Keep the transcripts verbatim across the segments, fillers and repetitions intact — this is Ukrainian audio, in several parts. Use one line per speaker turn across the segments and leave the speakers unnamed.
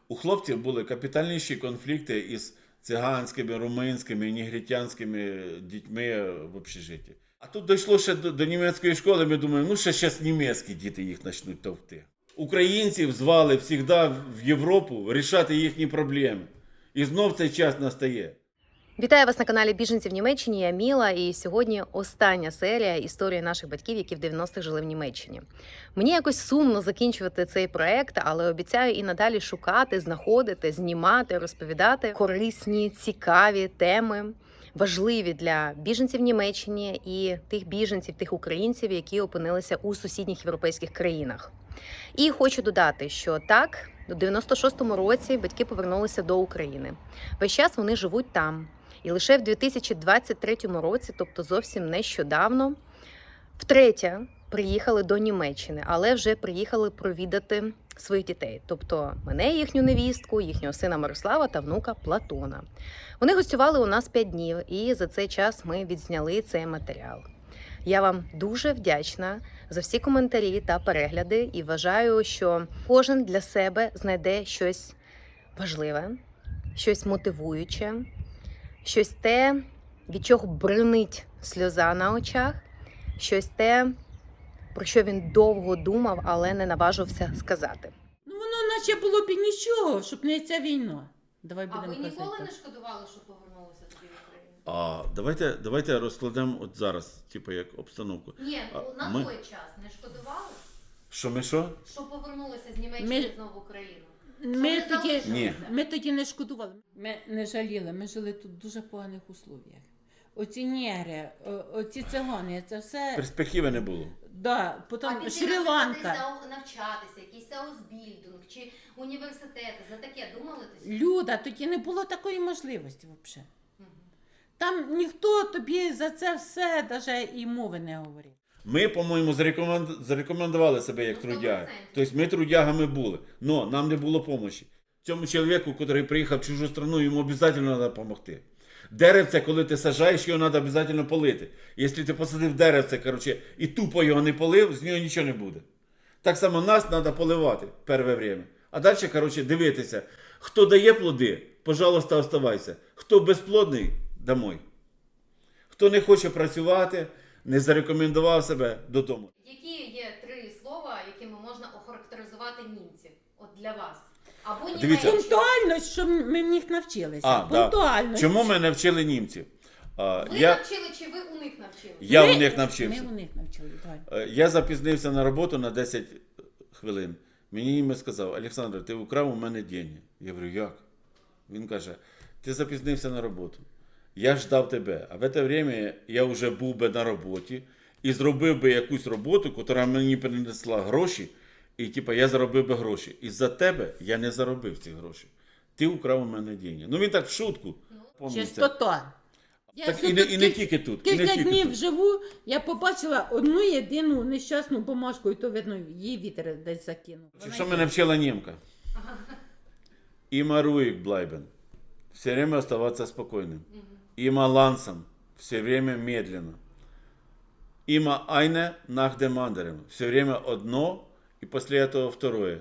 У хлопців були капітальніші конфлікти із циганськими, румунськими, негритянськими дітьми в общежитті. А тут дійшло ще до, до німецької школи, ми думаємо, ну ще зараз німецькі діти їх почнуть товкти. Українців звали завжди в Європу рішати їхні проблеми. І знов цей час настає.
Вітаю вас на каналі Біженці в Німеччині. Я Міла, і сьогодні остання серія історії наших батьків, які в дев'яностих жили в Німеччині. Мені якось сумно закінчувати цей проект, але обіцяю і надалі шукати, знаходити, знімати, розповідати корисні, цікаві теми, важливі для біженців в Німеччині і тих біженців, тих українців, які опинилися у сусідніх європейських країнах. І хочу додати, що так, у дев'яносто шостому році батьки повернулися до України. Весь час вони живуть там. І лише в дві тисячі двадцять третьому році, тобто зовсім нещодавно, втретє приїхали до Німеччини, але вже приїхали провідати своїх дітей. Тобто мене, їхню невістку, їхнього сина Мирослава та внука Платона. Вони гостювали у нас п'ять днів, і за цей час ми відзняли цей матеріал. Я вам дуже вдячна за всі коментарі та перегляди і вважаю, що кожен для себе знайде щось важливе, щось мотивуюче, щось те, від чого бринить сльоза на очах, щось те, про що він довго думав, але не наважився сказати.
Ну воно наче було б і нічого, щоб не ця війна. Давай
А
будемо
ви ніколи
казати.
не шкодували, що повернулися тоді в Україну?
А давайте, давайте розкладемо от зараз, типу, як обстановку.
Ні,
А,
ну, на
ми-
той час не шкодували,
Що ми що?
що повернулися з Німеччини
Ми-
знову в Україну?
Ми
Що ви
тоді,
залишилися?
Ні.
ми тоді не шкодували. Ми не жаліли, ми жили тут в дуже поганих условіях. Оці негри, о- оці цигани, це все.
Перспективи не було.
Да, потім
А піти,
Шрі-Ланка.
наприклад, навчатися, якийсь аусбільдинг чи університети, за таке думали тоді?
Люда, тоді не було такої можливості взагалі. Там ніхто тобі за це все навіть і мови не говорив.
Ми, по-моєму, зарекомен- зарекомендували себе як
Ну,
трудяги.
сто відсотків.
Тобто ми трудягами були, але нам не було допомоги. Цьому чоловіку, який приїхав в чужу країну, йому обов'язково треба допомогти. Деревце, коли ти саджаєш, його треба обов'язково полити. Якщо ти посадив деревце, коротше, і тупо його не полив, з нього нічого не буде. Так само нас треба поливати перше время. А далі, коротше, дивитися, хто дає плоди, пожалуйста, оставайся. Хто безплодний, домой. Хто не хоче працювати, не зарекомендував себе додому.
Які є три слова, якими можна охарактеризувати німців? От для вас. Або
Дивіться.
Німеччину.
Пунктуальність, що ми в них навчилися.
А, да.
Пунктуальність.
Чому ми не вчили німців? А,
Ви
я,
навчили чи ви у них навчили?
я
Ми-
у них навчився.
Ми у них навчили, давай.
Е, Я запізнився на роботу на десять хвилин. Мені німець сказав: Олександр, ти украв у мене деньги. Я говорю, як? Він каже, ти запізнився на роботу. Я ждав тебе. А в це время я вже був би на роботі і зробив би якусь роботу, яка мені принесла гроші, і типу, я заробив би гроші. І за тебе я не заробив ці гроші. Ти украв у мене деньги. Ну він так в шутку. Помните.
Чистота. Я
Так
все
і не,
тут
і не
кіль-
тільки тут. І не
Кілька
тільки
днів
тут.
живу, я побачила одну єдину нещасну бумажку, і то, видно, її вітер десь закинув.
Чи що мене вчила німка? Immer ruhig bleiben. Все время оставаться спокойным. Immer langsam. Все время медленно. Immer eine nach dem anderen. Все время одно і після этого второе.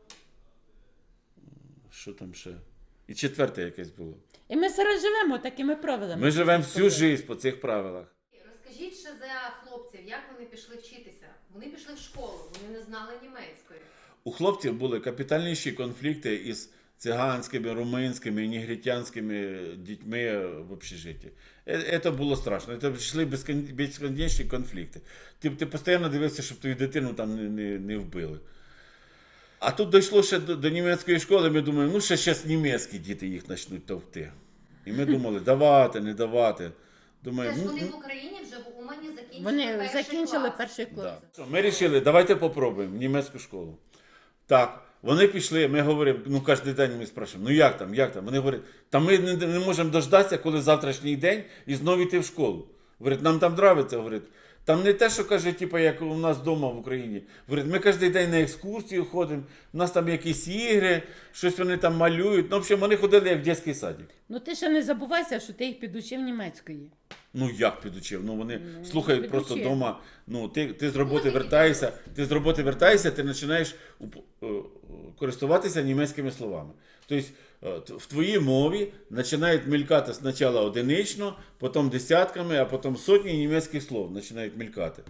Що там ще? І четверте якесь було.
І ми зараз живемо такими правилами.
Ми живемо всю життя по цих правилах.
Розкажіть ще за хлопців, як вони пішли вчитися? Вони пішли в школу, вони не знали німецької.
У хлопців були капітальніші конфлікти із циганськими, румунськими, негритянськими дітьми в общежитті. Е- Це було страшно. Це йшли безкон- безконечні конфлікти. Ти, ти постійно дивився, щоб твою дитину там не, не, не вбили. А тут дійшло ще до, до німецької школи, ми думаємо, ну ще зараз німецькі діти їх почнуть товкти. І ми думали, давати, не давати.
Це
Думаю,
ж
ну,
вони
ну,
в Україні вже в Умані закінчили
Вони
перший
закінчили
клас.
перший клас.
да. Що, ми вирішили, давайте попробуємо німецьку школу. Так, вони пішли, ми говоримо, ну кожен день ми спрашуємо, ну як там, як там? Вони говорять, та ми не, не можемо дождатися, коли завтрашній день і знову йти в школу. Говорять, нам там подобається, говорять. Там не те, що каже, типу, як у нас вдома в Україні. Говорять, ми кожен день на екскурсію ходимо, у нас там якісь ігри, щось вони там малюють. Ну, в общем, вони ходили як в дитячий садик.
Ну ти ще не забувайся, що ти їх підучив німецької.
Ну як підучив? Ну вони
Ну,
слухають просто
підучив.
вдома. Ну ти, ти з роботи
такі
вертаєшся, ти з роботи вертаєшся, ти починаєш уп- е, користуватися німецькими словами. Тобто е, т- в твоїй мові починають мількати спочатку одинично, потім десятками, а потім сотні німецьких слов починають мількати.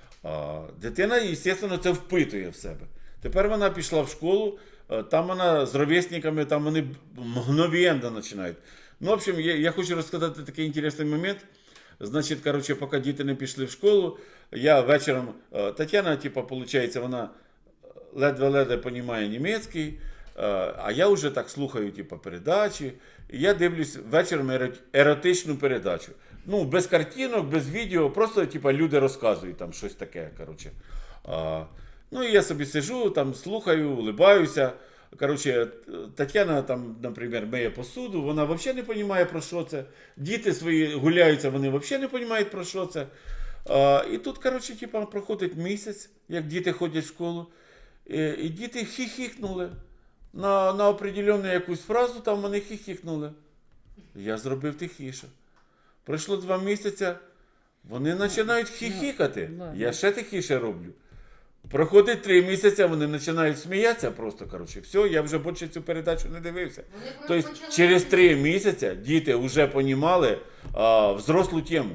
А дитина, звісно, це впитує в себе. Тепер вона пішла в школу, е, там вона з ровесниками, там вони мгновенно починають. Ну, в общем, я, я хочу розказати такий інтересний момент. Значить, коротше, поки діти не пішли в школу, я вечором, е, Тетяна, типу, виходить, вона ледве-ледве розуміє німецький, е, а я вже так слухаю, типу, передачі. І я дивлюсь вечором еро- еротичну передачу. Ну, без картинок, без відео, просто, типу, люди розказують там щось таке, коротше. А, ну, і я собі сижу, там, слухаю, улибаюся. Коротше, Тетяна там, наприклад, миє посуду, вона взагалі не розуміє, про що це. Діти свої гуляються, вони взагалі не розуміють, про що це. А, і тут, коротше, типу, проходить місяць, як діти ходять в школу, і, і діти хіхікнули. На, на определенну якусь фразу там вони хіхікнули. Я зробив тихіше. Пройшло два місяці, вони починають хіхікати.
ладно.
Я ще тихіше роблю. Проходить три місяці, вони починають сміятися просто, коротше, все, я вже більше цю передачу не дивився. Тобто через три місяці діти вже понімали а, взрослу тему.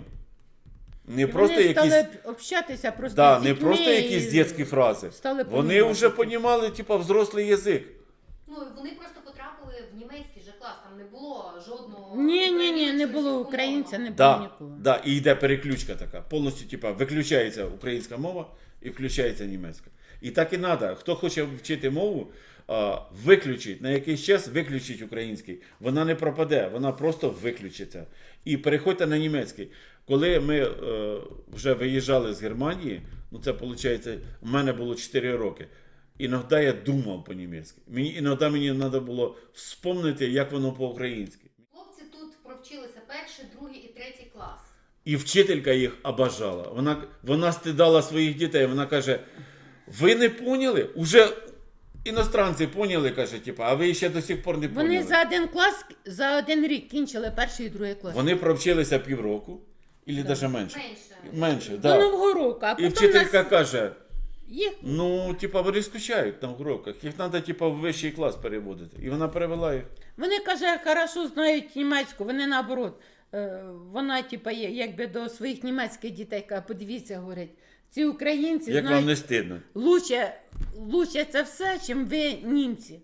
Не
І
просто
вони
якісь,
стали общатися просто
да,
з
не
дітьми
просто якісь
і
дитячі фрази.
стали
Вони
понімати
вже
це.
понімали, типу, взрослий язик.
Ну, і вони просто потрапили в німецький же клас, там не було жодного...
Ні, ні, ні, не
українського,
було
російськомовного.
українця, не було
Да,
нікого.
да, і йде переключка така. Повністю, типа, виключається українська мова і включається німецька. І так і треба. Хто хоче вчити мову, а, виключить, на якийсь час виключить український. Вона не пропаде, вона просто виключиться. І переходьте на німецький. Коли ми е, вже виїжджали з Германії, ну це виходить, у мене було чотири роки. Іноді я думав по-німецьки. Мені, іноді мені треба було вспомнити, як воно по-українськи.
Хлопці тут провчилися перший, другий і третій клас.
І вчителька їх обожала. Вона, вона стидала своїх дітей. Вона каже: ви не поняли? Уже іностранці поняли, каже, типу, а ви ще до сих пор не поняли.
Вони за один клас, за один рік кінчили перший і другий клас.
Вони провчилися півроку, або навіть менше.
Менше.
Менше,
До
да.
Нового року, а
І
потім
вчителька
нас...
каже:
їх
ну, типа, вони скучають на уроках, їх треба, типа, в вищий клас переводити. І вона перевела їх.
Вони, каже, хорошо знають німецьку, вони наоборот. е, Вона, типа, є, якби до своїх німецьких дітей каже, подивіться, говорить, ці українці
Як вам
знають
не стидно?
лучше, лучше це все, чим ви німці.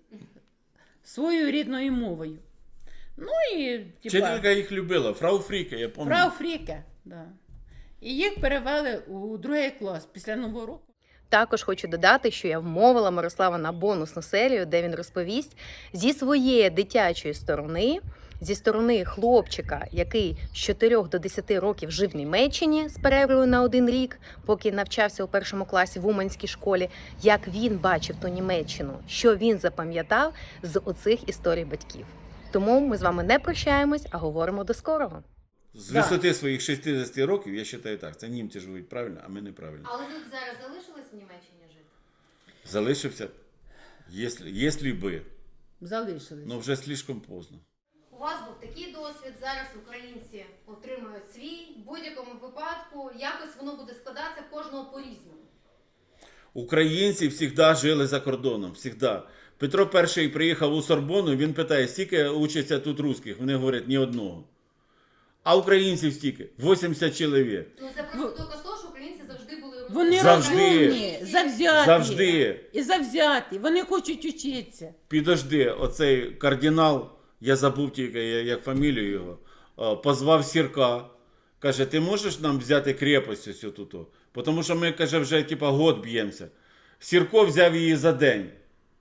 Своєю рідною мовою. Ну і, типа,
Вчителька їх любила, фрау Фріке, я пам'ятаю.
Фрау Фріке, да. І їх перевели у другий клас після Нового року.
Також хочу додати, що я вмовила Мирослава на бонусну серію, де він розповість зі своєї дитячої сторони, зі сторони хлопчика, який з чотирьох до десяти років жив в Німеччині з перервою на один рік, поки навчався у першому класі в Уманській школі, як він бачив ту Німеччину, що він запам'ятав з оцих історій батьків. Тому ми з вами не прощаємось, а говоримо до скорого.
З
Да.
висоти своїх шістдесят років, я вважаю так, це німці живуть правильно, а ми неправильно.
Але ви зараз залишились в Німеччині жити?
Залишився, якщо, якщо би,
Залишились.
але вже слишком поздно.
У вас був такий досвід, зараз українці отримують свій. В будь-якому випадку якось воно буде складатися в кожного по-різному.
Українці завжди жили за кордоном, завжди. Петро І приїхав у Сорбону, він питає, скільки учаться тут русських? Вони говорять, ні одного. А українців стільки? вісімдесят чоловік.
Ну це просто доказ того, що українці завжди були розумні.
Вони
Завжди.
розумні, завзяті.
Завжди.
І завзяті. Вони хочуть учитися.
Підожди, оцей кардинал, я забув тільки як фамілію його, а, позвав Сірка. Каже, ти можеш нам взяти крепость ось тут? Тому що ми, каже, вже типа год б'ємося. Сірко взяв її за день.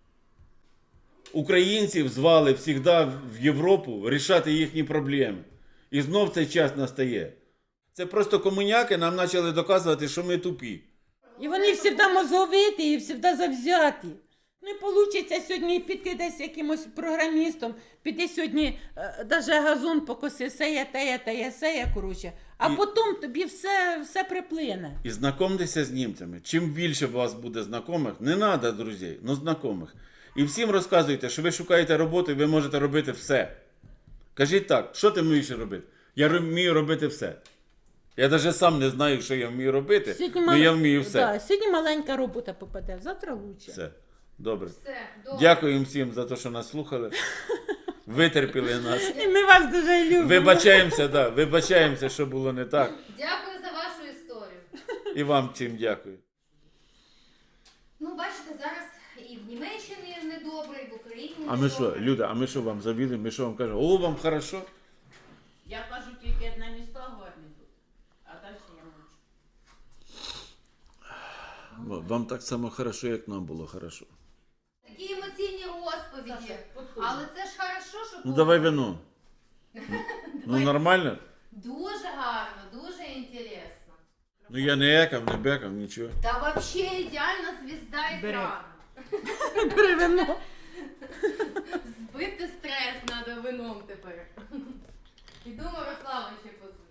Українців звали завжди в Європу рішати їхні проблеми. І знов цей час настає. Це просто комуняки нам почали доказувати, що ми тупі.
І вони завжди мозговиті і завжди завзяті. Не вийде сьогодні піти десь якимось програмістом, піти сьогодні навіть газон покоси, сеє, теє, теє, сеє, коротше. А
І-
потім тобі все, все приплине.
І знайомтеся з німцями. Чим більше у вас буде знайомих, не треба, друзі, але знайомих. І всім розказуйте, що ви шукаєте роботу і ви можете робити все. Кажіть так, що ти вмієш робити? Я ро- вмію робити все. Я навіть сам не знаю, що я вмію робити,
Сьогодні
але
мал-
я вмію все.
Да, сьогодні маленька робота попаде, завтра лучше.
Все. Добре.
Все, добре.
Дякую всім за те, що нас слухали. Витерпіли нас.
І ми вас дуже любимо.
Вибачаємося, да, вибачаємося, що було не так.
Дякую за вашу історію.
І вам всім дякую.
Ну, бачите, зараз і в Німеччині недобре, і в Україні
А ми що,
недобре.
Люда, а ми що вам завіли? Ми що вам кажемо? О, вам хорошо?
Я кажу, тільки одне місто гарне тут, а далі я мовчу.
Вам так само хорошо, як нам було хорошо.
Такі емоційні розповіді.
Саша, потім.
Але це ж хорошо, що
Ну
було.
давай вино. Ну нормально?
Дуже гарно, дуже інтересно.
Ну я не екав, не бекав, нічого.
Та вообще ідеальна звізда
Бери.
екрану.
Бери вино.
Збити стрес треба вином тепер. Іду Мирослава ще позвонити.